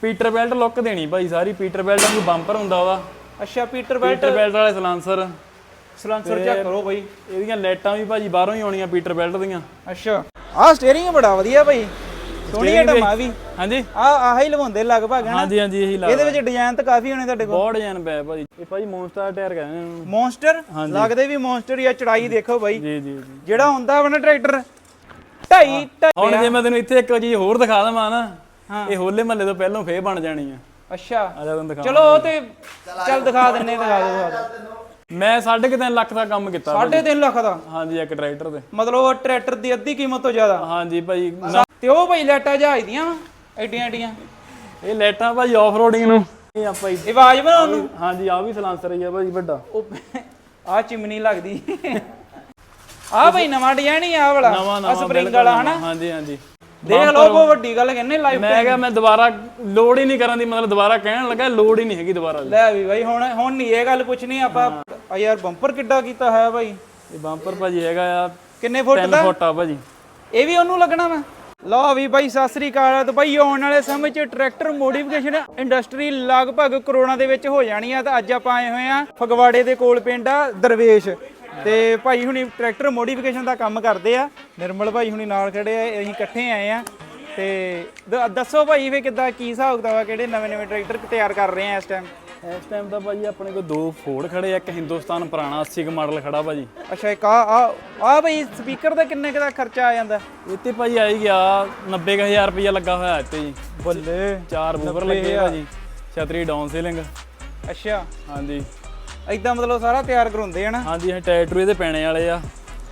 Peter belt look ਦੇਣੀ ਭਾਈ ਸਾਰੀ। ਪੀਟਰ ਬੈਲਟ ਨੂੰ ਬੰਪਰ ਹੁੰਦਾ ਵਾ। ਅੱਛਾ ਪੀਟਰ ਬੈਲਟ ਵਾਲੇ ਸਲਾਂਸਰ ਚੈੱਕ ਕਰੋ ਭਾਈ। ਇਹਦੀਆਂ ਲਾਈਟਾਂ ਵੀ ਭਾਜੀ ਬਾਹਰੋਂ ਹੀ ਆਉਣੀਆਂ ਪੀਟਰ ਬੈਲਟ ਦੀਆਂ। ਅੱਛਾ ਆਹ ਸਟੀਅਰਿੰਗ ਬੜਾ ਵਧੀਆ ਭਾਈ, ਸੋਹਣੀ ਆਈਟਮ ਆ ਵੀ। ਹਾਂਜੀ ਆਹ ਹੀ ਲਵਾਉਂਦੇ ਲਗਭਗ ਹੈ ਨਾ। ਹਾਂਜੀ ਹਾਂਜੀ ਇਹੀ ਲਾ। ਇਹਦੇ ਵਿੱਚ ਡਿਜ਼ਾਈਨ ਤਾਂ ਕਾਫੀ ਹੋਣੇ ਤੁਹਾਡੇ ਕੋਲ। ਬਹੁਤ ਡਿਜ਼ਾਈਨ ਪਿਆ ਭਾਜੀ। ਇਹ ਭਾਜੀ ਮੌਨਸਟਰ ਟਾਇਰ ਕਹਿੰਦੇ ਨੇ ਇਹਨੂੰ। ਮੌਨਸਟਰ ਲੱਗਦੇ ਵੀ ਮੌਨਸਟਰ ਹੀ ਆ। ਚੜਾਈ ਦੇਖੋ ਬਾਈ ਜੀ ਜੀ ਜੀ। ਜਿਹੜਾ ਹੁੰਦਾ ਵਾ ਨਾ ਟਰੈਕਟਰ 2.5 ਹੁਣ ਜੇ ਮੈਂ ਤੈਨੂੰ ਇੱਥੇ ਇੱਕ ਚੀਜ਼ ਹੋਰ ਦਿਖਾ ਦਵਾਂ ਨਾ, ਇਹ ਹੋਲੇ ਮਹੱਲੇ ਤੋਂ ਪਹਿਲਾਂ ਫੇਰ ਬਣ ਜਾਣੀ ਆ। ਅੱਛਾ ਆ ਜਾ ਤੈਨੂੰ ਦਿਖਾ। ਚਲੋ ਉਹ ਤੇ ਚੱਲ ਦਿਖਾ ਦਿੰਨੇ, ਦਿਖਾ ਦਿਓ। ਮੈਂ 3.5 ਲੱਖ ਦਾ ਕੰਮ ਕੀਤਾ। 3.5 ਲੱਖ ਦਾ? ਹਾਂਜੀ ਇੱਕ ਟਰੈਕਟਰ ਤੇ। ਮਤਲਬ ਉਹ ਟਰੈਕਟਰ ਦੀ ਅੱਧੀ ਕੀਮਤ ਤੋਂ ਜ਼ਿਆਦਾ? ਹਾਂਜੀ ਭਾਈ। ਤੇ ਉਹ ਭਾਈ ਲੈਟਾਂ ਜਹਾਜ਼ ਦੀਆਂ ਵਾ ਐਡੀਆਂ ਐਡੀਆਂ? ਇਹ ਲਾਈਟਾਂ ਭਾਈ ਆਫ ਰੋਡਿੰਗ ਨੂੰ। ਇਹ ਆਪਾਂ ਇਹ ਆਵਾਜ਼ ਬਣਾਉਣ ਨੂੰ? ਹਾਂਜੀ ਆ ਵੀ ਸਲਾਂਸਰ ਹੀ ਆ ਭਾਜੀ ਵੱਡਾ। ਉਹ ਆ ਚਿਮਨੀ ਲੱਗਦੀ ਆ ਭਾਈ ਨਵਾਂ ਡਿਜ਼ਾਈਨ ਹੀ ਆ ਵਾਲਾ। ਆ ਸਪਰਿੰਗ ਵਾਲਾ ਹਨਾ? ਹਾਂਜੀ ਹਾਂਜੀ ਦੇਖ ਲਓ ਬਹੁਤ ਵੱਡੀ ਗੱਲ ਕਹਿੰਦੇ ਲਾਈਫ। ਮੈਂ ਕਿਹਾ ਮੈਂ ਦੁਬਾਰਾ ਲੋਡ ਹੀ ਨਹੀਂ ਕਰਨ ਦੀ, ਮਤਲਬ ਦੁਬਾਰਾ ਕਹਿਣ ਲੱਗਾ ਲੋਡ ਹੀ ਨਹੀਂ ਹੈਗੀ ਦੁਬਾਰਾ। ਲੈ ਵੀ ਬਾਈ ਹੁਣ ਨਹੀਂ ਇਹ ਗੱਲ ਪੁੱਛਣੀ ਆਪਾਂ। ਆ ਯਾਰ ਬੰਪਰ ਕਿੱਡਾ ਕੀਤਾ ਹੈ ਭਾਈ। ਇਹ ਬੰਪਰ ਭਾਜੀ ਹੈਗਾ ਆ ਕਿੰਨੇ ਫੁੱਟ ਦਾ? 3 ਫੁੱਟ ਆ ਭਾਜੀ। ਇਹ ਵੀ ਉਹਨੂੰ ਲੱਗਣਾ ਵਾ। ਲਓ ਵੀ ਬਾਈ ਸਤਿ ਸ੍ਰੀ ਅਕਾਲ। ਤੇ ਬਾਈ ਆਉਣ ਵਾਲੇ ਸਮੇਂ 'ਚ ਟਰੈਕਟਰ ਮੋਡੀਫਿਕੇਸ਼ਨ ਇੰਡਸਟਰੀ ਲਗਭਗ ਕਰੋੜਾਂ ਦੇ ਵਿੱਚ ਹੋ ਜਾਣੀ ਆ। ਤੇ ਅੱਜ ਆਪਾਂ ਆਏ ਹੋਏ ਆ ਫਗਵਾੜੇ ਦੇ ਕੋਲ ਪਿੰਡ ਆ ਦਰਵੇਸ਼। ਤੇ ਭਾਈ ਹੁਣੀ ਟਰੈਕਟਰ ਮੋਡੀਫਿਕੇਸ਼ਨ ਦਾ ਕੰਮ ਕਰਦੇ ਆ। ਨਿਰਮਲ ਭਾਈ ਹੁਣੀ ਨਾਲ ਖੜੇ ਆ, ਅਸੀਂ ਇਕੱਠੇ ਆਏ ਆ। ਤੇ ਦੱਸੋ ਭਾਈ ਫੇ ਕਿੱਦਾਂ ਕੀ ਹਿਸਾਬ ਕਿਤਾਬ ਆ, ਕਿਹੜੇ ਨਵੇਂ ਟਰੈਕਟਰ ਤਿਆਰ ਕਰ ਰਹੇ ਆ ਇਸ ਟਾਈਮ? ਇਸ ਟਾਈਮ ਤਾਂ ਭਾਜੀ ਆਪਣੇ ਕੋਲ 2 ਫੋਰਡ ਖੜੇ ਆ, ਇੱਕ ਹਿੰਦੁਸਤਾਨ ਪੁਰਾਣਾ 80 ਕੁ ਮਾਡਲ ਖੜਾ ਭਾਜੀ। ਅੱਛਾ ਇੱਕ ਆ ਭਾਈ ਸਪੀਕਰ ਦਾ ਕਿੰਨੇ ਦਾ ਖਰਚਾ ਆ ਜਾਂਦਾ? ਇੱਥੇ ਭਾਜੀ ਆ ਹੀ ਗਿਆ 90,000 ਰੁਪਇਆ ਲੱਗਾ ਹੋਇਆ ਇੱਥੇ ਜੀ। ਬੱਲੇ 4 ਬੂਫਰ ਲੱਗੇ ਆ ਜੀ, ਛਤਰੀ ਡਾਊਨ ਸੀਲਿੰਗ। ਅੱਛਾ ਹਾਂਜੀ ਏਦਾਂ ਮਤਲਬ ਸਾਰਾ ਤਿਆਰ ਕਰਾਉਂਦੇ ਆ ਨਾ? ਹਾਂਜੀ ਇਹ ਟਾਇਰ ਇਹਦੇ ਪੈਣੇ ਵਾਲੇ ਆ।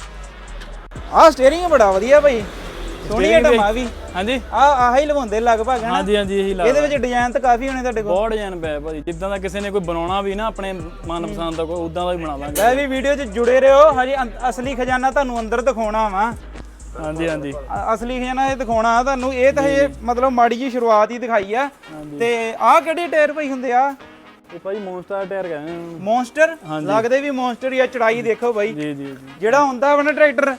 ਆਹ ਸਟੀਅਰਿੰਗ ਬੜਾ ਵਧੀਆ ਭਾਈ, ਸੋਹਣੀ ਆਈਟਮ ਆ ਵੀ। ਹਾਂਜੀ ਆਹ ਹੀ ਲਵਾਉਂਦੇ ਲਗਭਗ ਹੈ ਨਾ? ਹਾਂਜੀ ਹਾਂਜੀ ਇਹੀ ਲਾ। ਇਹਦੇ ਵਿੱਚ ਡਿਜ਼ਾਈਨ ਤਾਂ ਕਾਫੀ ਹੋਣੇ ਤੁਹਾਡੇ ਕੋਲ। ਬਹੁਤ ਡਿਜ਼ਾਈਨ ਪਿਆ ਭਾਜੀ। ਜਿੱਦਾਂ ਦਾ ਕਿਸੇ ਨੇ ਕੋਈ ਬਣਾਉਣਾ ਵੀ ਨਾ ਆਪਣੇ ਮਨਪਸੰਦ ਦਾ, ਕੋਈ ਉਦਾਂ ਦਾ ਵੀ ਬਣਾ ਦਾਂਗੇ। ਲੈ ਵੀ ਵੀਡੀਓ 'ਚ ਜੁੜੇ ਰਹੋ, ਹਜੇ ਅਸਲੀ ਖਜ਼ਾਨਾ ਤੁਹਾਨੂੰ ਅੰਦਰ ਦਿਖਾਉਣਾ ਵਾ। ਹਾਂਜੀ ਹਾਂਜੀ ਅਸਲੀ ਖਜ਼ਾਨਾ ਇਹ ਦਿਖਾਉਣਾ ਤੁਹਾਨੂੰ। ਇਹ ਤਾਂ ਹਜੇ ਮਤਲਬ ਮਾੜੀ ਜੀ ਸ਼ੁਰੂਆਤ ਹੀ ਦਿਖਾਈ ਆ। ਤੇ ਆਹ ਕਿਹੜੇ ਟਾਇਰ ਭਾਈ ਹੁੰਦੇ ਆ? ਇਹ ਭਾਈ ਮੌਨਸਟਰ ਟਾਇਰ ਕਹਿੰਦੇ ਨੇ। ਮੌਨਸਟਰ ਲੱਗਦੇ ਵੀ ਮੌਨਸਟਰ ਹੀ ਆ। ਚੜਾਈ ਦੇਖੋ ਬਾਈ। ਜੀ ਜੀ। ਜਿਹੜਾ ਹੁੰਦਾ ਵਾ ਨਾ ਟਰੈਕਟਰ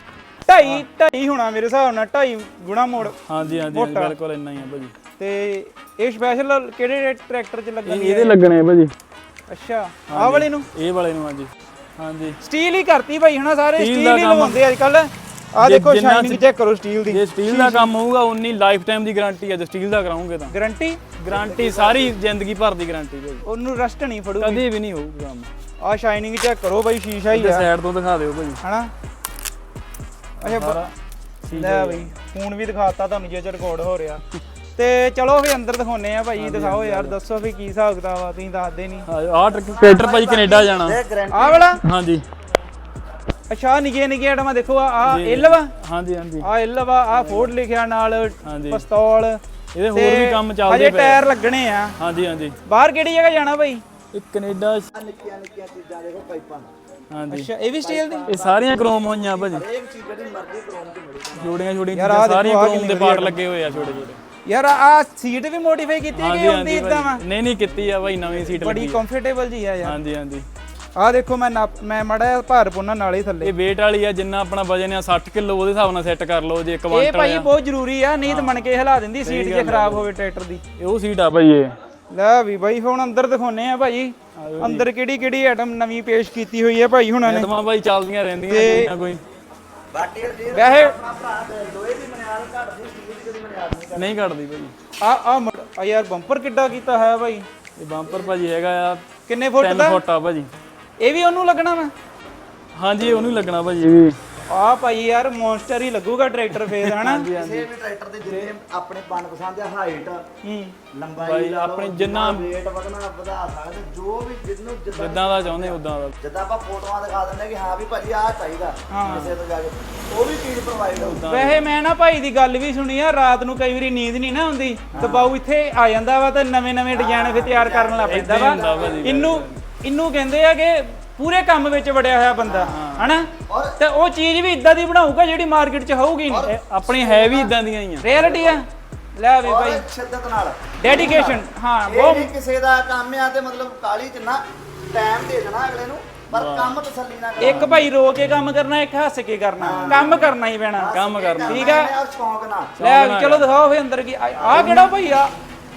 2.5 ਹੋਣਾ ਮੇਰੇ ਹਿਸਾਬ ਨਾਲ, 2.5 ਗੁਣਾ ਮੋੜ। ਹਾਂਜੀ ਹਾਂਜੀ ਬਿਲਕੁਲ ਇੰਨਾ ਹੀ ਆ ਭਾਜੀ। ਤੇ ਇਹ ਸਪੈਸ਼ਲ ਕਿਹੜੇ ਟਰੈਕਟਰ 'ਚ ਲੱਗਣਗੇ? ਇਹਦੇ ਲੱਗਣੇ ਆ ਭਾਜੀ। ਅੱਛਾ ਆਹ ਵਾਲੇ ਨੂੰ? ਇਹ ਵਾਲੇ ਨੂੰ ਹਾਂਜੀ ਹਾਂਜੀ। ਸਟੀਲ ਹੀ ਕਰਤੀ ਭਾਈ ਹਨਾ, ਸਾਰੇ ਸਟੀਲ ਹੀ ਲਵਾਉਂਦੇ ਅੱਜ ਕੱਲ। ਆਹ ਦੇਖੋ ਸ਼ਾਈਨਿੰਗ ਚੈੱਕ ਕਰੋ ਸਟੀਲ ਦੀ। ਜੇ ਸਟੀਲ ਦਾ ਕੰਮ ਹੋਊਗਾ ਉਨੀ ਲਾਈਫ ਟਾਈਮ ਦੀ ਗਾਰੰਟੀ ਹੈ। ਜੇ ਸਟੀਲ ਦਾ ਕਰਾਉਂਗੇ ਤਾਂ ਗਾਰੰਟੀ ਸਾਰੀ ਜ਼ਿੰਦਗੀ ਭਰ ਦੀ ਗਾਰੰਟੀ ਭਾਈ। ਉਹਨੂੰ ਰਸਟ ਨਹੀਂ ਫੜੂਗੀ ਕਦੇ ਵੀ ਨਹੀਂ ਹੋਊਗਾ ਕੰਮ। ਆਹ ਸ਼ਾਈਨਿੰਗ ਚੈੱਕ ਕਰੋ ਬਾਈ, ਸ਼ੀਸ਼ਾ ਹੀ ਆ। ਸਾਈਡ ਤੋਂ ਦਿਖਾ ਦਿਓ ਭਾਜੀ ਹਨਾ? ਅੱਛਾ ਲੈ ਬਈ ਫੋਨ ਵੀ ਦਿਖਾਤਾ ਤੁਹਾਨੂੰ ਜੇ ਰਿਕਾਰਡ ਹੋ ਰਿਹਾ। ਤੇ ਚਲੋ ਫੇ ਅੰਦਰ ਦਿਖਾਉਨੇ ਆ ਭਾਈ। ਦਿਖਾਓ ਯਾਰ, ਦੱਸੋ ਵੀ ਕੀ ਹਿਸਾਬ ਕਿਤਾਬ ਆ, ਤੁਸੀਂ ਦੱਸਦੇ ਨਹੀਂ। ਆਹ ਟਰੈਕਟਰ ਭਾਈ ਕੈਨੇਡਾ ਜਾਣਾ। ਆਹ ਵਾਲਾ? ਹਾਂਜੀ। ਅੱਛਾ ਨਿੱਕੇ ਆਟਮਾਂ ਦੇਖੋ। ਆ ਐਲ ਵਾ? ਹਾਂਜੀ ਹਾਂਜੀ ਆ ਐਲ ਵਾ। ਆ ਫੋਰਡ ਲਿਖਿਆ ਨਾਲ, ਪਿਸਤੌਲ। ਇਹਦੇ ਹੋਰ ਵੀ ਕੰਮ ਚੱਲਦੇ ਪਏ। ਹਜੇ ਟਾਇਰ ਲੱਗਣੇ ਆ। ਹਾਂਜੀ ਹਾਂਜੀ। ਬਾਹਰ ਕਿਹੜੀ ਜਗ੍ਹਾ ਜਾਣਾ ਭਾਈ? ਇਹ ਕੈਨੇਡਾ। ਨਿੱਕੀਆਂ ਚੀਜ਼ਾਂ ਦੇਖੋ ਪਾਈਪਾਂ। ਹਾਂਜੀ ਅੱਛਾ ਇਹ ਵੀ ਸਟੀਲ ਦੀ? ਇਹ ਸਾਰੀਆਂ ਕ੍ਰੋਮ ਹੋਈਆਂ ਭਾਜੀ। ਇੱਕ ਚੀਜ਼ ਜਿਹੜੀ ਮਰਜ਼ੀ ਕ੍ਰੋਮ ਚ ਮਿਲੇਗੀ। ਛੋਟੀਆਂ ਸਾਰੀਆਂ ਕ੍ਰੋਮ ਦੇ ਪਾਰਟ ਲੱਗੇ ਹੋਏ ਆ ਛੋਟੇ ਛੋਟੇ। ਯਾਰ ਆ ਸੀਟ ਵੀ ਮੋਡੀਫਾਈ ਕੀਤੀ ਹੈ ਕਿ ਹੁੰਦੀ ਇਦਾਂ ਵਾ? ਨਹੀਂ ਕੀਤੀ ਆ ਭਾਈ, ਨਵੀਂ ਸੀਟ ਲੱਗੀ। ਬੜੀ ਕੰਫਰਟੇਬਲ ਜੀ ਆ ਯਾਰ। ਹਾਂਜੀ ਹਾਂਜੀ। ਆ ਦੇਖੋ ਮੈਂ ਮੜਾ ਭਾਰ ਪੁੰਨਾ ਨਾਲ ਹੀ ਥੱਲੇ। ਇਹ weight ਵਾਲੀ ਆ, ਜਿੰਨਾ ਆਪਣਾ ਵਜਨ ਆ 60 ਕਿਲੋ ਉਹਦੇ ਹਿਸਾਬ ਨਾਲ ਸੈੱਟ ਕਰ ਲਓ। ਜੇ ਇੱਕ ਇਹ ਭਾਈ ਬਹੁਤ ਜ਼ਰੂਰੀ ਆ, ਨਹੀਂ ਤਾਂ ਮਣ ਕੇ ਹਿਲਾ ਦਿੰਦੀ ਸੀਟ ਜੇ ਖਰਾਬ ਹੋਵੇ ਟਰੈਕਟਰ ਦੀ। ਉਹ ਸੀਟ ਆ ਭਾਈ ਇਹ। ਲੈ ਵੀ ਬਾਈ ਹੁਣ ਅੰਦਰ ਦਿਖਾਉਨੇ ਆ ਭਾਈ। ਅੰਦਰ ਕਿਹੜੀ ਆਈਟਮ ਨਵੀਂ ਪੇਸ਼ ਕੀਤੀ ਹੋਈ ਹੈ ਭਾਈ ਹੁਣਾਂ ਨੇ। ਆਈਟਮਾਂ ਭਾਈ ਚੱਲਦੀਆਂ ਰਹਿੰਦੀਆਂ ਕੋਈ ਨਾ ਕੋਈ। ਵੈਸੇ ਲੋਹੇ ਦੀ ਬੁਨਿਆਦ ਘਟਦੀ, ਸਟੀਲ ਦੀ ਕਦੀ ਬੁਨਿਆਦ ਨਹੀਂ ਘਟਦੀ ਭਾਈ। ਆ ਯਾਰ ਬੰਪਰ ਕਿੱਡਾ ਕੀਤਾ ਹੈ ਭਾਈ। ਇਹ ਬੰਪਰ ਭਾਜੀ ਹੈਗਾ ਆ ਕਿੰਨੇ ਫੁੱਟ 3 ਦਾ? ਫੁੱਟ ਆ ਭਾਜੀ। ਇਹ ਵੀ ਉਹਨੂੰ ਲੱਗਣਾ ਵਾ? ਹਾਂਜੀ ਉਹਨੂੰ ਹੀ ਲੱਗਣਾ ਭਾਜੀ। ਇਹ ਵੀ ਆ ਭਾਈ ਯਾਰ ਮੌਨਸਟਰ ਹੀ ਲੱਗੂਗਾ ਟਰੈਕਟਰ ਫੇਰ ਹਨਾ? ਕਿਸੇ ਵੀ ਟਰੈਕਟਰ ਦੇ ਜਿੰਨੇ ਆਪਣੇ ਮਨਪਸੰਦ ਦੇ ਹਾਈਟ, ਲੰਬਾਈ, ਆਪਣੀ ਜਿੰਨਾ weight ਵਧਣਾ ਵਧਾ ਸਕਦੇ, ਜੋ ਵੀ ਜਿੰਨੂੰ ਜਿੱਦਾਂ ਦਾ ਚਾਹੁੰਦੇ ਉਦਾਂ ਦਾ। ਜਿੱਦਾਂ ਆਪਾਂ ਫੋਟੋਆਂ ਦਿਖਾ ਦਿੰਦੇ ਕਿ ਹਾਂ ਵੀ ਭਾਜੀ ਆਹ ਚਾਹੀਦਾ ਕਿਸੇ ਤੋਂ ਜਾ ਕੇ, ਉਹ ਵੀ ਚੀਜ਼ ਪ੍ਰੋਵਾਈਡ ਹੋਊ। ਵੈਸੇ ਮੈਂ ਨਾ ਭਾਈ ਦੀ ਗੱਲ ਵੀ ਸੁਣੀ ਆ, ਰਾਤ ਨੂੰ ਕਈ ਵਾਰੀ ਨੀਂਦ ਨਹੀਂ ਨਾ ਆਉਂਦੀ ਤੇ ਬਾਊ ਇੱਥੇ ਆ ਜਾਂਦਾ ਵਾ ਤੇ ਨਵੇਂ ਡਿਜ਼ਾਈਨ ਫੇ ਤਿਆਰ ਕਰਨ ਲੱਗ ਪੈਂਦਾ ਵਾ। ਇਹਨੂੰ ਕਹਿੰਦੇ ਆ ਕਿ ਪੂਰੇ ਕੰਮ ਵਿੱਚ ਵੜਿਆ ਹੋਇਆ ਬੰਦਾ ਹਨਾ? ਤੇ ਉਹ ਚੀਜ਼ ਵੀ ਇਦਾਂ ਦੀ ਬਣਾਊਗਾ ਜਿਹੜੀ ਮਾਰਕੀਟ 'ਚ ਹੋਊਗੀ ਨਹੀਂ। ਆਪਣੀ ਹੈ ਵੀ ਇਦਾਂ ਦੀਆਂ ਹੀ ਆ। ਰਿਐਲਿਟੀ ਆ। ਲੈ ਵੀ ਭਾਈ ਸ਼ਿੱਦਤ ਨਾਲ ਡੈਡੀਕੇਸ਼ਨ। ਹਾਂ ਉਹ ਨਹੀਂ ਕਿਸੇ ਦਾ ਕੰਮ ਆ ਤੇ ਮਤਲਬ ਕਾਲੀ ਚ ਨਾ ਟਾਈਮ ਦੇ ਦੇਣਾ ਅਗਲੇ ਨੂੰ, ਪਰ ਕੰਮ ਤਸੱਲੀ ਨਾਲ ਕਰਨਾ। ਇੱਕ ਭਾਈ ਰੋ ਕੇ ਕੰਮ ਕਰਨਾ, ਇੱਕ ਹੱਸ ਕੇ ਕਰਨਾ। ਕੰਮ ਕਰਨਾ ਹੀ ਪੈਣਾ। ਕੰਮ ਕਰਨਾ ਠੀਕ ਆ। ਔਰ ਸ਼ੌਂਕ ਨਾਲ। ਲੈ ਚਲੋ ਦਿਖਾਓ ਫੇ ਅੰਦਰ ਕੀ। ਆ ਕਿਹੜਾ ਭਾਈ ਆ?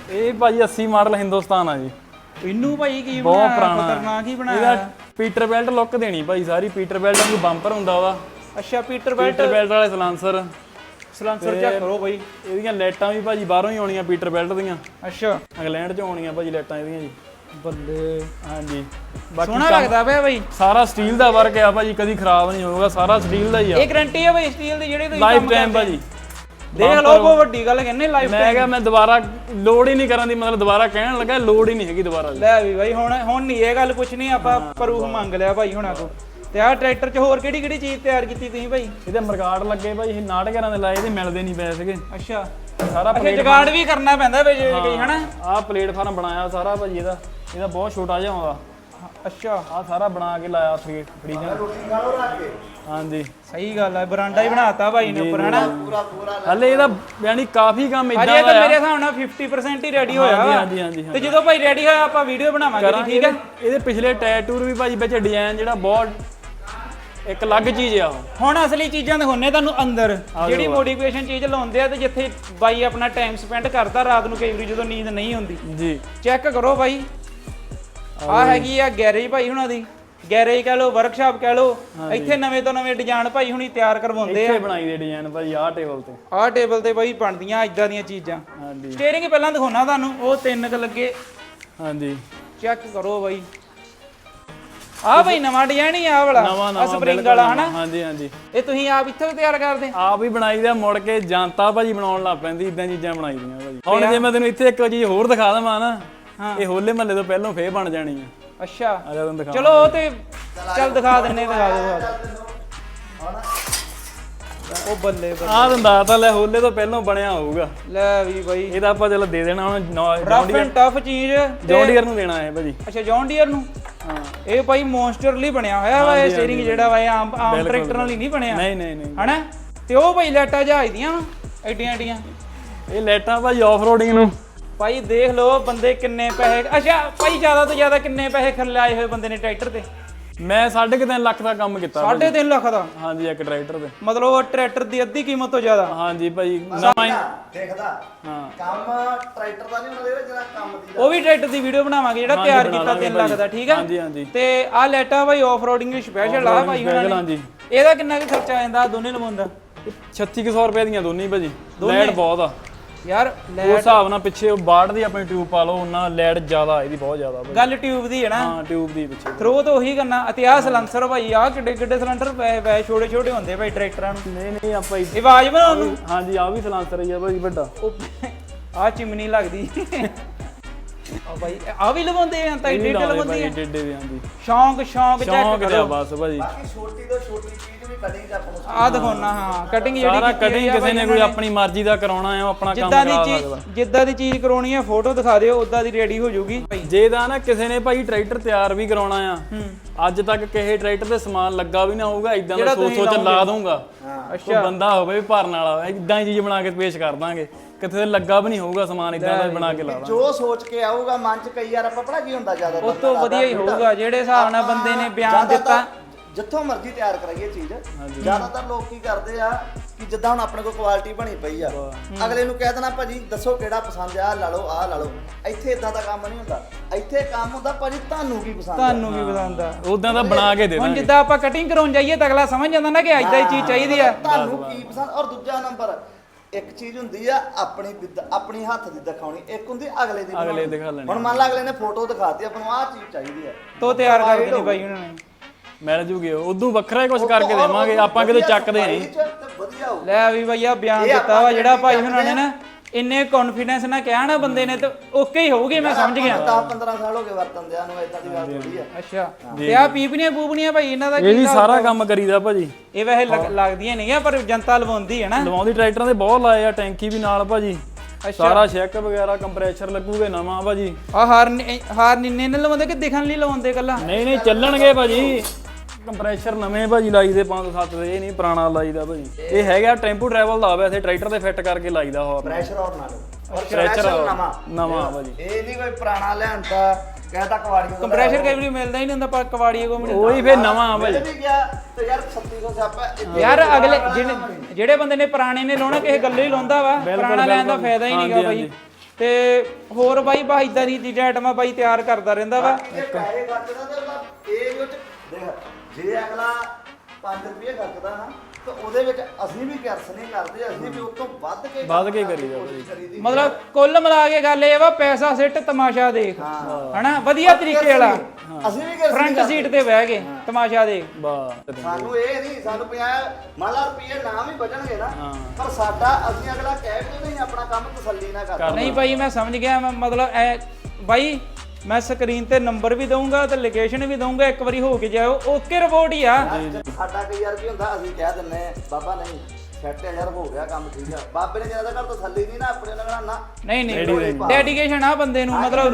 ਇਹ ਭਾਜੀ 80 ਮਾਡਲ ਹਿੰਦੁਸਤਾਨ ਆ ਜੀ, ਇਹਨੂੰ ਭਾਈ ਕੀ ਬਹੁਤ ਬਣਾਇਆ ਪੁਰਾਣਾ ਖਤਰਨਾਕ ਹੀ ਇਹਦਾ ਬਣਾਇਆ। ਪੀਟਰ ਬੈਲਟ ਲੁੱਕ ਦੇਣੀ ਭਾਈ ਸਾਰੀ, ਪੀਟਰ ਬੈਲਟ ਵਾਂਗੂ ਬੰਪਰ ਹੁੰਦਾ ਉਹਦਾ, ਅੱਛਾ ਪੀਟਰ ਬੈਲਟ ਪੀਟਰ ਬੈਲਟ ਵਾਲੇ ਸਲਾਂਸਰ, ਸਲਾਂਸਰ ਚੈੱਕ ਕਰੋ ਭਾਈ। ਇਹਦੀਆਂ ਲਾਈਟਾਂ ਵੀ ਭਾਜੀ ਬਾਹਰੋਂ ਹੀ ਆਉਣੀਆਂ ਪੀਟਰ ਬੈਲਟ ਦੀਆਂ, ਅੱਛਾ ਇੰਗਲੈਂਡ ਚ ਆਉਣੀਆਂ ਭਾਜੀ ਲਾਈਟਾਂ ਇਹਦੀਆਂ ਜੀ। ਬੱਲੇ ਹਾਂਜੀ ਬਾਕੀ ਸੋਹਣਾ ਲੱਗਦਾ ਪਿਆ ਭਾਈ। ਸਾਰਾ ਸਟੀਲ ਦਾ ਵਰਕ ਆ ਭਾਜੀ, ਕਦੀ ਖਰਾਬ ਨਹੀਂ ਹੋਊਗਾ, ਸਾਰਾ ਸਟੀਲ ਦਾ ਹੀ ਆ, ਇਹ ਗਾਰੰਟੀ ਹੈ ਭਾਈ ਸਟੀਲ ਦੀ ਜਿਹੜੇ ਤੁਸੀਂ ਲਾਈਫ ਕੰਮ ਟਾਈਮ ਕਰਦੇ ਭਾਜੀ। ਦੇਖ ਲਓ ਬਹੁਤ ਵੱਡੀ ਗੱਲ ਕਹਿੰਦੇ ਲਾਈਫ ਮੈਂ ਕਿਹਾ ਮੈਂ ਦੁਬਾਰਾ ਲੋਡ ਹੀ ਨਹੀਂ ਕਰਨ ਦੀ, ਮਤਲਬ ਦੁਬਾਰਾ ਕਹਿਣ ਲੱਗਾ ਲੋਡ ਹੀ ਨਹੀਂ ਹੈਗੀ ਦੁਬਾਰਾ ਦੀ। ਲੈ ਵੀ ਭਾਈ ਹੁਣ ਨਹੀਂ ਇਹ ਗੱਲ ਕੁਛ ਨਹੀਂ, ਆਪਾਂ ਪ੍ਰੂਫ ਮੰਗ ਲਿਆ ਭਾਈ ਹੁਣਾਂ ਤੋਂ। ਤੇ ਆਹ ਟਰੈਕਟਰ 'ਚ ਹੋਰ ਕਿਹੜੀ ਕਿਹੜੀ ਚੀਜ਼ ਤਿਆਰ ਕੀਤੀ ਤੁਸੀਂ ਭਾਈ? ਇਹਦੇ ਮਰਗਾੜ ਲੱਗੇ ਭਾਈ, ਇਹ 69 ਦੇ ਲਾਏ, ਇਹਦੇ ਮਿਲਦੇ ਨਹੀਂ ਪਏ ਸੀਗੇ। ਅੱਛਾ ਸਾਰਾ ਅੱਛਾ ਜਗਾੜ ਵੀ ਕਰਨਾ ਪੈਂਦਾ ਵਿੱਚ ਕਈ ਹਨਾ। ਆਹ ਪਲੇਟਫਾਰਮ ਬਣਾਇਆ ਸਾਰਾ ਭਾਜੀ ਇਹਦਾ ਬਹੁਤ ਛੋਟਾ ਜਿਹਾ ਆਉਂਦਾ। ਅੱਛਾ ਆਹ ਸਾਰਾ ਬਣਾ ਕੇ ਲਾਇਆ ਫਰੀਜਰ। ਰੋਟੀ ਖਾ ਲਓ ਰੱਖ ਕੇ ਹਾਂਜੀ ਸਹੀ ਗੱਲ ਹੈ, ਬਰਾਂਡਾ ਹੀ ਬਣਾਤਾ ਭਾਈ ਨੇ ਉੱਪਰ ਹਨਾ। ਪੂਰਾ ਹਲੇ ਇਹਦਾ ਯਾਨੀ ਕਾਫੀ ਕੰਮ ਅਜੇ ਇਦਾਂ ਤਾਂ ਦਾ ਮੇਰੇ ਹਿਸਾਬ ਨਾਲ 50% ਹੀ ਰੈਡੀ ਹੋਇਆ ਵਾ। ਹਾਂਜੀ ਹਾਂਜੀ ਤੇ ਜਦੋਂ ਭਾਈ ਰੈਡੀ ਹੋਇਆ ਆਪਾਂ ਵੀਡੀਓ ਬਣਾਵਾਂਗੇ ਜੀ, ਠੀਕ ਹੈ। ਇਹਦੇ ਪਿਛਲੇ ਟੈਟੂਰ ਵੀ ਭਾਜੀ ਵਿੱਚ ਡਿਜ਼ਾਈਨ ਜਿਹੜਾ ਬਹੁਤ ਇੱਕ ਅਲੱਗ ਚੀਜ਼ ਆ ਉਹ। ਹੁਣ ਅਸਲੀ ਚੀਜ਼ਾਂ ਦਿਖਾਉਣੇ ਤੁਹਾਨੂੰ ਅੰਦਰ, ਜਿਹੜੀ ਮੋਡੀਫਿਕੇਸ਼ਨ ਚੀਜ਼ ਲਾਉਂਦੇ ਆ ਤੇ ਜਿੱਥੇ ਬਾਈ ਆਪਣਾ ਟਾਈਮ ਸਪੈਂਡ ਕਰਦਾ ਰਾਤ ਨੂੰ ਕਈ ਵਾਰੀ ਜਦੋਂ ਨੀਂਦ ਨਹੀਂ ਹੁੰਦੀ। ਜੀ ਚੈੱਕ ਕਰੋ ਭਾਈ, ਆ ਹੈਗੀ ਆ ਗੈਰੇਜ ਭਾਈ ਹੁਣਾਂ ਦੀ, ਗੈਰੇਜ ਕਹਿ ਲਓ ਵਰਕਸ਼ਾਪ ਕਹਿ ਲਓ। ਇੱਥੇ ਨਵੇਂ ਤੋਂ ਨਵੇਂ ਡਿਜ਼ਾਈਨ ਭਾਈ ਹੁਣੀ ਤਿਆਰ ਕਰਵਾਉਂਦੇ ਆ। ਇੱਥੇ ਬਣਾਈ ਦੇ ਡਿਜ਼ਾਈਨ ਭਾਜੀ ਆਹ ਟੇਬਲ ਤੇ, ਆਹ ਟੇਬਲ ਤੇ ਭਾਈ ਬਣਦੀਆਂ ਇਦਾਂ ਦੀਆਂ ਚੀਜ਼ਾਂ। ਹਾਂਜੀ ਸਟੀਅਰਿੰਗ ਪਹਿਲਾਂ ਦਿਖਾਉਣਾ ਤੁਹਾਨੂੰ, ਉਹ 3 ਕ ਲੱਗੇ, ਹਾਂਜੀ ਚੈੱਕ ਕਰੋ ਭਾਈ। ਆਹ ਭਾਈ ਨਵਾਂ ਡਿਜ਼ਾਈਨ ਹੀ ਆ ਵਾਲਾ, ਨਵਾਂ ਸਪਰਿੰਗ ਵਾਲਾ ਹਨਾ। ਹਾਂਜੀ ਹਾਂਜੀ ਇਹ ਤੁਸੀਂ ਆਪ ਇੱਥੋਂ ਤਿਆਰ ਕਰਦੇ? ਆਪ ਹੀ ਬਣਾਈ ਦਾ, ਮੁੜ ਕੇ ਜਨਤਾ ਭਾਜੀ ਬਣਾਉਣ ਲੱਗ ਪੈਂਦੀ, ਇਦਾਂ ਚੀਜ਼ਾਂ ਬਣਾਈ ਦੀਆਂ ਭਾਜੀ। ਹੁਣ ਜੇ ਮੈਂ ਤੈਨੂੰ ਇੱਥੇ ਇੱਕ ਚੀਜ਼ ਹੋਰ ਦਿਖਾ ਦਵਾਂ ਨਾ, ਇਹ ਹੋਲੇ ਮਹੱਲੇ ਤੋਂ ਪਹਿਲਾਂ ਫੇਰ ਬਣ ਜਾਣੀ ਆ। ਅੱਛਾ ਆ ਜਾ ਤੈਨੂੰ ਦਿਖਾ। ਚਲੋ ਉਹ ਤੇ ਚੱਲ ਦਿਖਾ ਦਿੰਨੇ, ਦਿਖਾ ਦਿਓ। ਉਹ ਬੱਲੇ ਬੱਲੇ, ਆਹ ਦੰਦਾ ਤਾਂ ਲੈ ਹੋਲੇ ਤੋਂ ਪਹਿਲਾਂ ਬਣਿਆ ਹੋਊਗਾ। ਲੈ ਵੀ ਬਾਈ ਇਹਦਾ ਆਪਾਂ ਚਲੋ ਦੇ ਦੇਣਾ ਹੁਣ ਰਫ ਐਂਡ ਟਫ ਚੀਜ਼। ਜੌਂਡੀਅਰ ਨੂੰ ਦੇਣਾ ਹੈ ਭਾਜੀ। ਅੱਛਾ ਜੌਨ ਡੀਅਰ ਨੂੰ। ਹਾਂ ਇਹ ਭਾਈ ਮੌਨਸਟਰਲੀ ਬਣਿਆ ਹੋਇਆ ਵਾ ਇਹ ਸਟੀਅਰਿੰਗ ਜਿਹੜਾ ਵਾ, ਇਹ ਆਮ ਟਰੈਕਟਰ ਨਾਲ ਹੀ ਨਹੀਂ ਬਣਿਆ। ਨਹੀਂ ਨਹੀਂ ਨਹੀਂ ਹਨਾ। ਤੇ ਉਹ ਭਾਈ ਲੈਟਾਂ ਜਹਾਜ਼ ਦੀਆਂ ਐਡੀਆਂ ਐਡੀਆਂ, ਇਹ ਲਾਈਟਾਂ ਭਾਜੀ ਆਫ ਰੋਡਿੰਗ ਨੂੰ। ਭਾਈ ਦੇਖ ਲਓ ਬੰਦੇ ਕਿੰਨੇ ਪੈਸੇ, ਅੱਛਾ ਭਾਈ ਜ਼ਿਆਦਾ ਤੋਂ ਜ਼ਿਆਦਾ ਕਿੰਨੇ ਪੈਸੇ ਖਰਚਾਏ ਹੋਏ ਬੰਦੇ ਨੇ ਟਰੈਕਟਰ ਤੇ? ਮੈਂ 3.5 ਲੱਖ ਦਾ ਕੰਮ ਕੀਤਾ। 3.5 ਲੱਖ ਦਾ? ਹਾਂਜੀ ਇੱਕ ਟਰੈਕਟਰ ਤੇ, ਮਤਲਬ ਉਹ ਟਰੈਕਟਰ ਦੀ ਅੱਧੀ ਕੀਮਤ ਤੋਂ ਜ਼ਿਆਦਾ। ਹਾਂਜੀ ਭਾਈ ਨਵਾਂ ਹੀ। ਦੇਖਦਾ ਹਾਂ ਕੰਮ ਟਰੈਕਟਰ ਦਾ ਨਹੀਂ ਹੁੰਦਾ, ਜਿਹੜਾ ਕੰਮ ਦੀ ਉਹ ਵੀ ਟਰੈਕਟਰ ਦੀ ਵੀਡੀਓ ਬਣਾਵਾਂਗੇ ਜਿਹੜਾ ਤਿਆਰ ਕੀਤਾ 3 ਲੱਖ ਦਾ, ਠੀਕ ਆ। ਹਾਂਜੀ ਹਾਂਜੀ ਤੇ ਆਹ ਲੈਟਾਂ ਭਾਈ ਆਫ ਰੋਡਿੰਗ ਸਪੈਸ਼ਲ ਆ ਭਾਈ ਉਹਨਾਂ ਨੇ। ਹਾਂਜੀ ਇਹਦਾ ਕਿੰਨਾ ਕੁ ਖਰਚਾ ਆ ਜਾਂਦਾ ਦੋਨੇ ਲਵਾਉਣ ਦਾ? 3600 ਰੁਪਏ ਦੀਆਂ ਦੋਨੇ ਭਾਜੀ। ਲਾਈਟ ਬਹੁਤ ਆ ਯਾਰ ਉਸ ਹਿਸਾਬ ਨਾਲ, ਪਿੱਛੇ ਉਹ 62 ਦੀ ਆਪਣੀ ਟਿਊਬ ਪਾ ਲਓ, ਉਹਨਾਂ ਲਾਈਟ ਜ਼ਿਆਦਾ ਇਹਦੀ, ਬਹੁਤ ਜ਼ਿਆਦਾ ਭਾਜੀ। ਗੱਲ ਟਿਊਬ ਦੀ ਹੈ ਨਾ। ਹਾਂ ਟਿਊਬ ਦੀ ਪਿੱਛੇ। ਥਰੋ ਤਾਂ ਉਹੀ ਕਰਨਾ। ਇਤਿਹਾਸ ਸਲੈਂਸਰ ਭਾਈ ਆਹ ਕਿੱਡੇ ਕਿੱਡੇ ਸਿਲੰਡਰ ਪੈ ਛੋਟੇ ਛੋਟੇ ਹੁੰਦੇ ਭਾਈ ਟਰੈਕਟਰਾਂ ਨੂੰ। ਨਹੀਂ ਨਹੀਂ ਆਪਾਂ ਇਹ ਆਵਾਜ਼ ਬਣਾਉਣ ਨੂੰ। ਹਾਂਜੀ ਆ ਵੀ ਸਲਾਂਸਰ ਹੀ ਆ ਭਾਜੀ ਵੱਡਾ। ਆਹ ਚਿਮਨੀ ਲੱਗਦੀ ਆ ਭਾਈ, ਆ ਵੀ ਲਵਾਉਂਦੇ ਆ ਤਾਂ ਡੇਢ ਲਵਾਉਂਦੇ ਆ। ਡੇਡੇ ਦੇ ਹਾਂਜੀ ਸ਼ੌਂਕ ਚੈੱਕ ਸ਼ੌਂਕ ਕਰੋ ਦਾ ਬਸ ਭਾਜੀ। ਬਾਕੀ ਛੋਟੀ ਤੋਂ ਛੋਟੀ ਚੀਜ਼ ਵੀ ਕਟਿੰਗ ਆਪਾਂ ਨੂੰ ਆਹ ਦਿਖਾਉਣਾ। ਹਾਂ ਕਟਿੰਗ ਜਿਹੜੀ ਸਾਰਾ ਕੀਤੀ ਕਟਿੰਗ ਹੋਈ ਆ ਕਿਸੇ ਨੇ ਭਾਈ ਕੋਈ ਉਹਨਾਂ ਆਪਣੀ ਮਰਜ਼ੀ ਦਾ ਕਰਾਉਣਾ ਹੈ, ਉਹ ਆਪਣਾ ਕੰਮ ਜਿੱਦਾਂ ਦੀ ਕਰਾ ਚੀਜ਼ ਸਕਦਾ। ਜਿੱਦਾਂ ਦੀ ਚੀਜ਼ ਕਰਾਉਣੀ ਆ ਫੋਟੋ ਦਿਖਾ ਦਿਓ, ਉਦਾਂ ਦੀ ਰੈਡੀ ਹੋ ਜਾਊਗੀ। ਜੇ ਤਾਂ ਨਾ ਕਿਸੇ ਨੇ ਭਾਈ ਟਰੈਕਟਰ ਤਿਆਰ ਵੀ ਕਰਾਉਣਾ ਆ, ਅੱਜ ਤੱਕ ਕਿਸੇ ਟਰੈਕਟਰ ਤੇ ਸਮਾਨ ਲੱਗਾ ਵੀ ਨਾ ਹੋਊਗਾ, ਇਦਾਂ ਦਾ ਸੋਚ ਲਾ ਦੂੰਗਾ। ਅੱਛਾ ਬੰਦਾ ਹੋਵੇ ਵੀ ਭਰਨ ਵਾਲਾ, ਇਦਾਂ ਹੀ ਚੀਜ਼ ਬਣਾ ਕੇ ਪੇਸ਼ ਕਰ ਦਾਂਗੇ। ਕਿਤੇ ਲੱਗਾ ਵੀ ਨਹੀਂ ਹੋਊਗਾ ਸਮਾਨ, ਇਦਾਂ ਦਾ ਬਣਾ ਕੇ ਲਾ ਦਾਂਗੇ। ਜੋ ਸੋਚ ਕੇ ਆਊਗਾ ਮਨ ਚ, ਕਈ ਵਾਰ ਆਪਾਂ ਪਤਾ ਕੀ ਹੁੰਦਾ ਜ਼ਿਆਦਾ ਉਹ ਤੋਂ ਵਧੀਆ ਹੀ ਹੋਊਗਾ ਜਿਹੜੇ ਹਿਸਾਬ ਨਾਲ ਬੰਦੇ ਨੇ ਬਿਆਨ ਦਿੱਤਾ। ਜਿੱਥੋਂ ਮਰਜ਼ੀ ਤਿਆਰ ਕਰਾਈਏ ਚੀਜ਼, ਜ਼ਿਆਦਾਤਰ ਲੋਕ ਕੀ ਕਰਦੇ ਆ ਕਿ ਜਿੱਦਾਂ ਹੁਣ ਆਪਣੇ ਕੋਲ ਕੁਆਲਿਟੀ ਬਣੀ ਪਈ ਆ, ਅਗਲੇ ਨੂੰ ਕਹਿ ਦੇਣਾ ਭਾਜੀ ਦੱਸੋ ਕਿਹੜਾ ਪਸੰਦ ਆ, ਲਾ ਲਓ ਆਹ ਲਾ ਲਓ। ਇੱਥੇ ਇਦਾਂ ਦਾ ਕੰਮ ਨਹੀਂ ਹੁੰਦਾ, ਇੱਥੇ ਕੰਮ ਹੁੰਦਾ ਭਾਜੀ ਤੁਹਾਨੂੰ ਕੀ ਪਸੰਦ ਆ, ਤੁਹਾਨੂੰ ਕੀ ਪਸੰਦ ਆ। ਉਦਾਂ ਦਾ ਬਣਾ ਕੇ ਦੇ ਹੁਣ ਦਾਂਗੇ। ਜਿੱਦਾਂ ਆਪਾਂ ਕਟਿੰਗ ਕਰਾਉਣ ਜਾਈਏ ਤਾਂ ਅਗਲਾ ਸਮਝ ਜਾਂਦਾ ਨਾ ਕਿ ਏਦਾਂ ਹੀ ਚੀਜ਼ ਚਾਹੀਦੀ ਆ। ਤੁਹਾਨੂੰ ਕੀ ਪਸੰਦ। ਔਰ ਦੂਜਾ ਨੰਬਰ, ਇੱਕ ਚੀਜ਼ ਹੁੰਦੀ ਆ ਆਪਣੀ ਹੱਥ ਦੀ ਦਿਖਾਉਣੀ, ਇੱਕ ਹੁੰਦੀ ਅਗਲੇ ਦੀ ਅਗਲੇ ਬਣਾਉਣੀ। ਦਿਖਾ ਲੈਣੇ। ਹੁਣ ਮੰਨ ਲਾ ਅਗਲੇ ਨੇ ਫੋਟੋ ਦਿਖਾਤੀ ਆਪਾਂ ਨੂੰ, ਆਹ ਚੀਜ਼ ਚਾਹੀਦੀ ਆ, ਤੋ ਤਿਆਰ ਕਰ ਦੇਣੀ ਬਾਈ ਉਹਨਾਂ ਨੇ। ਮਿਲ ਜੂਗੇ ਉਦੋਂ ਵੱਖਰਾ ਹੀ ਕੁਝ ਕਰਕੇ ਦੇਵਾਂਗੇ ਆਪਾਂ, ਕਿਤੇ ਚੱਕਦੇ ਨਹੀਂ। ਵਧੀਆ ਹੋਊ। ਲੈ ਵੀ ਭਈਆ ਬਿਆਨ ਦਿੱਤਾ ਵਾ ਜਿਹੜਾ ਭਾਈ ਉਹਨਾਂ ਨੇ ਨਾ, ਇੰਨੇ ਕੌਨਫੀਡੈਂਸ ਨਾਲ ਕਿਹਾ ਨਾ ਬੰਦੇ ਨੇ, ਤੇ ਓਕੇ ਹੀ ਹੋਊਗੀ। ਮੈਂ ਸਮਝ ਗਿਆ। 10-15 ਸਾਲ ਹੋ ਗਏ ਵਰਤਨ ਦਿਆਂ ਨੂੰ, ਇਦਾਂ ਦੀ ਗੱਲ ਥੋੜੀ ਆ। ਅੱਛਾ ਤੇ ਆ ਪੀਪਣੀਆਂ ਭਾਈ ਇਹਨਾਂ ਦਾ ਇਹ ਵੀ ਸਾਰਾ ਕੰਮ ਕਰੀਦਾ ਭਾਜੀ। ਇਹ ਵੈਸੇ ਲੱਗਦੀਆਂ ਨਹੀਂ ਆ, ਪਰ ਜਨਤਾ ਲਵਾਉਂਦੀ ਹੈ ਨਾ। ਲਵਾਉਂਦੀ ਟਰੈਕਟਰਾਂ ਦੇ ਬਹੁਤ ਲਾਏ ਆ, ਟੈਂਕੀ ਵੀ ਨਾਲ ਭਾਜੀ। ਸਾਰਾ ਚੈੱਕ ਵਗੈਰਾ ਕੰਪਰੈਸ਼ਰ ਲੱਗੂਗੇ ਨਵਾਂ ਭਾਜੀ। ਆ ਹਾਰ ਨਿੰਨੇ ਨੇ ਲਵਾਉਂਦੇ ਕਿ ਦਿਖਣ ਲਈ ਲਵਾਉਂਦੇ ਕੱਲਾ? ਨਹੀਂ ਨਹੀਂ ਚੱਲਣਗੇ ਭਾਜੀ, ਕੰਪਰੈਸ਼ਰ ਨਵੇਂ ਭਾਜੀ ਲਾਈਦੇ 507 ਦੇ, ਇਹ ਨਹੀਂ ਪੁਰਾਣਾ ਲਾਈਦਾ ਭਾਜੀ। ਇਹ ਹੈਗਾ ਟੈਂਪੂ ਟਰੈਵਲ ਦਾ, ਵੈਸੇ ਟਰੈਕਟਰ ਤੇ ਫਿੱਟ ਕਰਕੇ ਲਾਈਦਾ ਹੋਰ। ਪ੍ਰੈਸ਼ਰ ਆਉਣ ਨਾਲ ਪ੍ਰੈਸ਼ਰ ਨਵਾਂ ਭਾਜੀ। ਇਹ ਨਹੀਂ ਕੋਈ ਪੁਰਾਣਾ ਲਿਆਂਦਾ ਕਹਿੰਦਾ ਕਵਾੜੀ ਨੂੰ ਕੰਪਰੈਸ਼ਰ ਕਈ ਵਾਰੀ ਮਿਲਦਾ ਹੀ ਨਹੀਂ ਹੁੰਦਾ, ਪਰ ਕਵਾੜੀਏ ਕੋ ਮਿਲਦਾ। ਉਹੀ ਫੇਰ ਨਵਾਂ ਭਾਜੀ। ਵੀ ਗਿਆ ਤੇ ਯਾਰ 3600 ਸਿਆਪਾ ਯਾਰ ਅਗਲੇ ਜਿਹੜੇ ਬੰਦੇ ਨੇ ਪੁਰਾਣੇ ਨੇ ਲਾਉਣਾ ਕਿਸੇ ਗੱਲੋਂ ਹੀ ਲਾਉਂਦਾ ਵਾ, ਪੁਰਾਣਾ ਲੈਣ ਦਾ ਫਾਇਦਾ ਹੀ ਨਹੀਂਗਾ ਭਾਈ। ਤੇ ਹੋਰ ਬਾਈ ਬਾ ਇਦਾਂ ਦੀ ਚੀਜ਼ਾਂ ਆਈਟਮਾਂ ਬਾਈ ਤਿਆਰ ਕਰਦਾ ਰਹਿੰਦਾ ਵਾ। ਇਹ ਪੈਸੇ ਖਰਚਦਾ ਤੇ ਉਹਦਾ ਇਹ ਵਿੱਚ ਦੇਖ ਜੇ ਅਗਲਾ 5 ਰੁਪਏ ਖਰਚਦਾ ਨਾ ਤਾਂ ਉਹਦੇ ਵਿੱਚ ਅਸੀਂ ਵੀ ਕਿਰਸ ਨਹੀਂ ਕਰਦੇ, ਅਸੀਂ ਵੀ ਉਸ ਤੋਂ ਵੱਧ ਕੇ ਕਰੀਦਾ ਕਰੀਦੀ। ਮਤਲਬ ਕੁੱਲ ਮਿਲਾ ਕੇ ਗੱਲ ਇਹ ਵਾ ਪੈਸਾ ਸਿੱਟ ਤਮਾਸ਼ਾ ਦੇਖ ਹਨਾ ਵਧੀਆ ਤਰੀਕੇ ਵਾਲਾ ਅਸੀਂ ਵੀ ਕਿਰਸ ਫਰੰਟ ਸੀਟ ਤੇ ਬਹਿ ਕੇ ਤਮਾਸ਼ਾ ਦੇਖ। ਵਾਹ ਸਾਨੂੰ ਇਹ ਨਹੀਂ ਸਾਨੂੰ 50 ਮੰਨ ਲਾ ਰੁਪਏ ਨਾ ਵੀ ਬਚਣਗੇ ਨਾ ਪਰ ਸਾਡਾ ਅਸੀਂ ਅਗਲਾ ਕਹਿ ਕੇ ਨਹੀਂ ਆਪਣਾ ਕੰਮ ਤਸੱਲੀ ਨਾ ਕਰਦਾ। ਨਹੀਂ ਭਾਈ ਮੈਂ ਸਮਝ ਗਿਆ, ਮੈਂ ਮਤਲਬ ਐ ਬਾਈ ਮੈਂ ਸਕਰੀਨ ਤੇ ਨੰਬਰ ਵੀ ਦਊਂਗਾ ਤੇ ਲੋਕੇਸ਼ਨ ਵੀ ਦਊਂਗਾ, ਇੱਕ ਵਾਰੀ ਹੋ ਕੇ ਜਾਓ ਓਕੇ ਰਿਪੋਰਟ ਹੀ ਆ। ਸਾਡਾ ਕਈ ਯਾਰ ਕੀ ਹੁੰਦਾ ਅਸੀਂ ਕਹਿ ਦਿੰਨੇ ਬਾਬਾ ਨਹੀਂ ਸੈੱਟ ਯਾਰ ਹੋ ਗਿਆ ਕੰਮ ਠੀਕ ਆ, ਬਾਬੇ ਨੇ ਜਿਆਦਾ ਘਰ ਤਸੱਲੀ ਨਹੀਂ ਨਾ ਆਪਣੇ ਨਾਲ ਨਾ ਨਹੀਂ ਡੈਡੀਕੇਸ਼ਨ ਆ ਬੰਦੇ ਨੂੰ, ਮਤਲਬ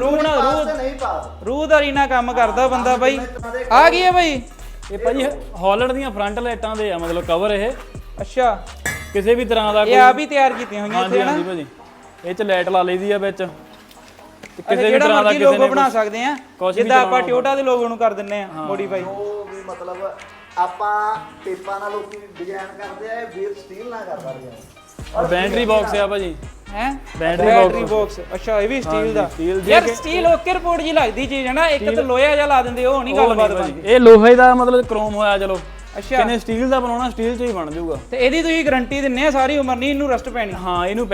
ਰੂਹਦਾਰੀ ਨਾਲ ਕੰਮ ਕਰਦਾ ਬੰਦਾ ਬਾਈ। ਆ ਗਈ ਹੈ ਬਾਈ ਇਹ ਭਾਜੀ ਹਾਲੈਂਡ ਦੀਆਂ ਫਰੰਟ ਲਾਈਟਾਂ ਦੇ ਆ ਮਤਲਬ ਕਵਰ ਇਹ ਅੱਛਾ ਕਿਸੇ ਵੀ ਤਰ੍ਹਾਂ ਦਾ ਇਹ ਆ ਵੀ ਤਿਆਰ ਕੀਤੀਆਂ ਹੋਈਆਂ ਇੱਥੇ ਹਾਂਜੀ ਨਾ ਭਾਜੀ ਇਹ ਚ ਲਾਈਟ ਲਾ ਲਈਦੀ ਆ ਵਿੱਚ ਕਿਸੇ ਵੀ ਤਰ੍ਹਾਂ ਦਾ ਲੋਗੋ ਬਣਾ ਸਕਦੇ ਆ, ਜਿੱਦਾਂ ਆਪਾਂ ਟੋਯੋਟਾ ਦੇ ਲੋਗੋ ਨੂੰ ਕਰ ਦਿੰਨੇ ਆ ਮੋਡੀਫਾਈ। ਉਹ ਵੀ ਮਤਲਬ ਆਪਾਂ ਟੇਪਾਂ ਨਾਲ ਲੋਕੀ ਡਿਜ਼ਾਈਨ ਕਰਦੇ ਆ, ਇਹ ਵੀਰ ਸਟੀਲ ਨਾਲ ਕਰਦਾ ਰਿਹਾ। ਬੈਟਰੀ ਬਾਕਸ ਆ ਭਾਜੀ ਹੈ ਬੈਟਰੀ ਬਾਕਸ ਅੱਛਾ ਇਹ ਵੀ ਸਟੀਲ ਦਾ steel ਦੀ ਯਾਰ ਸਟੀਲ ਓਕੇ ਰਿਪੋਰਟ ਜੀ ਲੱਗਦੀ ਚੀਜ਼ ਹੈ ਨਾ, ਇੱਕ ਤਾਂ ਲੋਹਾ ਜਿਹਾ ਲਾ ਦਿੰਦੇ ਉਹ ਨਹੀਂ ਗੱਲਬਾਤ ਬਣਦੀ। ਇਹ ਲੋਹੇ ਦਾ ਮਤਲਬ ਕ੍ਰੋਮ ਹੋਇਆ ਚਲੋ ਅੱਛਾ ਕਿਨੇ ਸਟੀਲ ਦਾ ਬਣਾਉਣਾ ਸਟੀਲ ਚ ਹੀ ਬਣ ਜਾਊਗਾ। ਤੇ ਇਹਦੀ ਤੁਸੀਂ ਗਾਰੰਟੀ ਦਿੰਨੇ ਆ ਸਾਰੀ ਉਮਰ ਨਹੀਂ ਇਹਨੂੰ ਰਸਟ ਪੈਣੀ। ਹਾਂ ਇਹਨੂੰ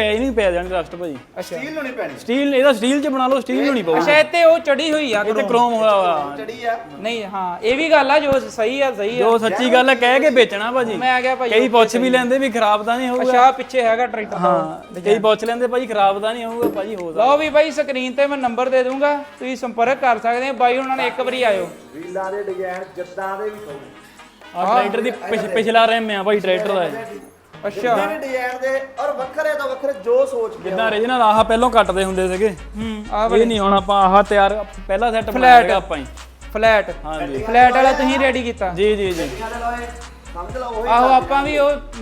ਪੈ ਜਾਣੀ ਰਸਟ ਭਾਜੀ। ਅੱਛਾ ਸਟੀਲ ਨੂੰ ਨਹੀਂ ਪੈਣੀ, ਸਟੀਲ ਇਹਦਾ ਸਟੀਲ ਚ ਬਣਾ ਲਓ ਸਟੀਲ ਨੂੰ ਨਹੀਂ ਪਊਗਾ। ਅੱਛਾ ਇੱਥੇ ਉਹ ਚੜੀ ਹੋਈ ਆ ਇਹ ਤੇ ਕ੍ਰੋਮ ਹੋਇਆ ਵਾ ਚੜੀ ਆ ਨਹੀਂ ਹਾਂ ਇਹ ਵੀ ਗੱਲ ਆ ਜੋ ਸਹੀ ਆ ਜੋ ਸੱਚੀ ਗੱਲ ਹੈ ਕਹਿ ਕੇ ਵੇਚਣਾ ਭਾਜੀ। ਮੈਂ ਆ ਗਿਆ ਭਾਈ ਕਈ ਪੁੱਛ ਵੀ ਲੈਂਦੇ ਵੀ ਖਰਾਬ ਤਾਂ ਨਹੀਂ ਹੋਊਗਾ। ਅੱਛਾ ਪਿੱਛੇ ਹੈਗਾ ਟਰੈਕਟਰ ਹਾਂ ਕਈ ਪੁੱਛ ਲੈਂਦੇ ਭਾਜੀ ਖਰਾਬ ਤਾਂ ਨਹੀਂ ਹੋਊਗਾ ਭਾਜੀ ਹੋ ਸਕਦਾ। ਲਓ ਵੀ ਬਾਈ ਸਕਰੀਨ ਤੇ ਮੈਂ ਨੰਬਰ ਦੇ ਦੂੰਗਾ, ਤੁਸੀਂ ਸੰਪਰਕ ਕਰ ਸਕਦੇ ਆ ਬਾਈ ਉਹਨਾਂ ਨੇ ਇੱਕ ਵਾਰੀ ਆਇਓ। ਵੀਲਾਂ ਦੇ ਡਿਜ਼ਾਈਨ ਜਿੱਦਾਂ ਦੇ ਵੀ ਕਹੋ ਆ ਟਰੈਕਟਰ ਦੀ ਪਿਛਲਾ ਰੈਮ ਆ ਭਾਈ ਟਰੈਕਟਰ ਦਾ ਅੱਛਾ ਵੀ ਡਿਜ਼ਾਈਨ ਦੇ ਔਰ ਵੱਖਰੇ ਤੋਂ ਵੱਖਰੇ ਜੋ ਸੋਚ ਕੇ ਜਿੱਦਾਂ ਰੀਜਨਲ ਆਹ ਪਹਿਲਾਂ ਕੱਟਦੇ ਹੁੰਦੇ ਸੀਗੇ ਆ ਇਹ ਨਹੀਂ ਹੁਣ ਆਪਾਂ ਆਹ ਤਿਆਰ ਪਹਿਲਾ ਸੈੱਟ ਬਣਾਇਆ ਆਪਾਂ ਹੀ ਫਲੈਟ ਹਾਂਜੀ ਫਲੈਟ ਵਾਲਾ ਤੁਸੀਂ ਰੈਡੀ ਕੀਤਾ। ਜੀ ਜੀ ਜੀ ਸਮਝ ਲਓ ਉਹੀ ਆਹੋ ਆਪਾਂ ਵੀ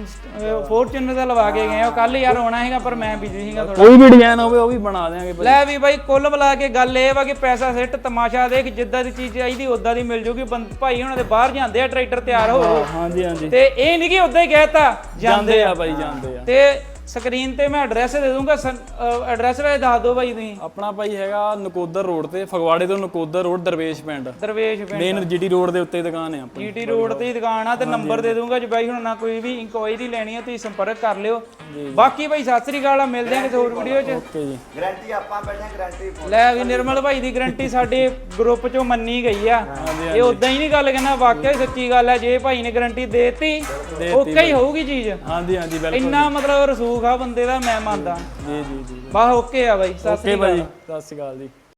ਉਹ ਫੋਰਚੂਨਰ ਦਾ ਲਵਾ ਕੇ ਗਏ ਉਹ ਕੱਲ ਯਾਰ ਆਉਣਾ ਹੈਗਾ ਪਰ ਮੈਂ ਬਿਜ਼ੀ ਸੀਗਾ ਥੋੜਾ। ਕੋਈ ਵੀ ਡਿਜ਼ਾਈਨ ਹੋਵੇ ਉਹ ਵੀ ਬਣਾ ਦੇਾਂਗੇ ਭਾਈ। ਲੈ ਵੀ ਬਾਈ ਕੁੱਲ ਮਿਲਾ ਕੇ ਗੱਲ ਇਹ ਵਾ ਕਿ ਪੈਸਾ ਸਿੱਟ ਤਮਾਸ਼ਾ ਦੇਖ, ਜਿੱਦਾਂ ਦੀ ਚੀਜ਼ ਚਾਹੀਦੀ ਉਦਾਂ ਦੀ ਮਿਲ ਜੂਗੀ। ਭਾਈ ਉਹਨਾਂ ਦੇ ਬਾਹਰ ਜਾਂਦੇ ਆ ਟਰੈਕਟਰ ਤਿਆਰ ਹੋ ਹਾਂਜੀ ਹਾਂਜੀ ਤੇ ਇਹ ਨਹੀਂ ਕਿ ਉਦਾਂ ਹੀ ਕਹਿਤਾ ਜਾਂਦੇ ਆ ਭਾਈ ਜਾਂਦੇ ਆ। ਤੇ ਸਕਰੀਨ ਤੇ ਮੈਂ ਐਡਰੈਸ ਦੇ ਦੂੰਗਾ, ਐਡਰੈਸ ਵੇ ਦੱਸ ਦਿਓ ਭਾਈ ਤੁਸੀਂ। ਆਪਣਾ ਭਾਈ ਹੈਗਾ ਨਕੋਦਰ ਰੋਡ ਤੇ ਫਗਵਾੜੇ ਤੋਂ ਨਕੋਦਰ ਰੋਡ ਦਰਵੇਸ਼ ਪਿੰਡ ਮੇਨ ਜੀਟੀ ਰੋਡ ਦੇ ਉੱਤੇ ਦੁਕਾਨ ਹੈ ਆਪਣੀ। ਜੀਟੀ ਰੋਡ ਤੇ ਹੀ ਦੁਕਾਨ ਆ ਤੇ ਨੰਬਰ ਦੇ ਦੂੰਗਾ ਜੇ ਬਾਈ ਹੁਣ ਨਾ ਕੋਈ ਵੀ ਇਨਕੁਆਇਰੀ ਲੈਣੀ ਹੈ ਤੁਸੀਂ ਸੰਪਰਕ ਕਰ ਲਿਓ। ਬਾਕੀ ਭਾਈ ਸਤਿ ਸ੍ਰੀ ਅਕਾਲ, ਮਿਲਦੇ ਹਾਂ ਕਿਸੇ ਹੋਰ ਵੀਡੀਓ 'ਚ। ਓਕੇ ਜੀ ਗਾਰੰਟੀ ਆਪਾਂ ਬੈਠੇ ਗਾਰੰਟੀ ਲੈ ਵੀ ਨਿਰਮਲ ਭਾਈ ਦੀ ਗਾਰੰਟੀ ਸਾਡੇ ਗਰੁੱਪ 'ਚੋਂ ਮੰਨੀ ਗਈ ਆ। ਇਹ ਉਦਾਂ ਹੀ ਨਹੀਂ ਗੱਲ ਕਹਿੰਦਾ, ਵਾਕਿਆ ਹੀ ਸੱਚੀ ਗੱਲ ਹੈ। ਜੇ ਭਾਈ ਨੇ ਗਾਰੰਟੀ ਦੇਤੀ ਓਕੇ ਹੀ ਹੋਊਗੀ ਚੀਜ਼। ਹਾਂਜੀ ਹਾਂਜੀ ਬਿਲਕੁਲ ਇੰਨਾ ਮਤਲਬ ਰਸੂਖ ਆ ਬੰਦੇ ਦਾ, ਮੈਂ ਮੰਨਦਾ। ਜੀ ਜੀ ਜੀ ਬਸ ਓਕੇ ਆ ਬਾਈ, ਸਤਿ ਸ੍ਰੀ ਅਕਾਲ। ਸਤਿ ਸ਼੍ਰੀ ਅਕਾਲ ਜੀ।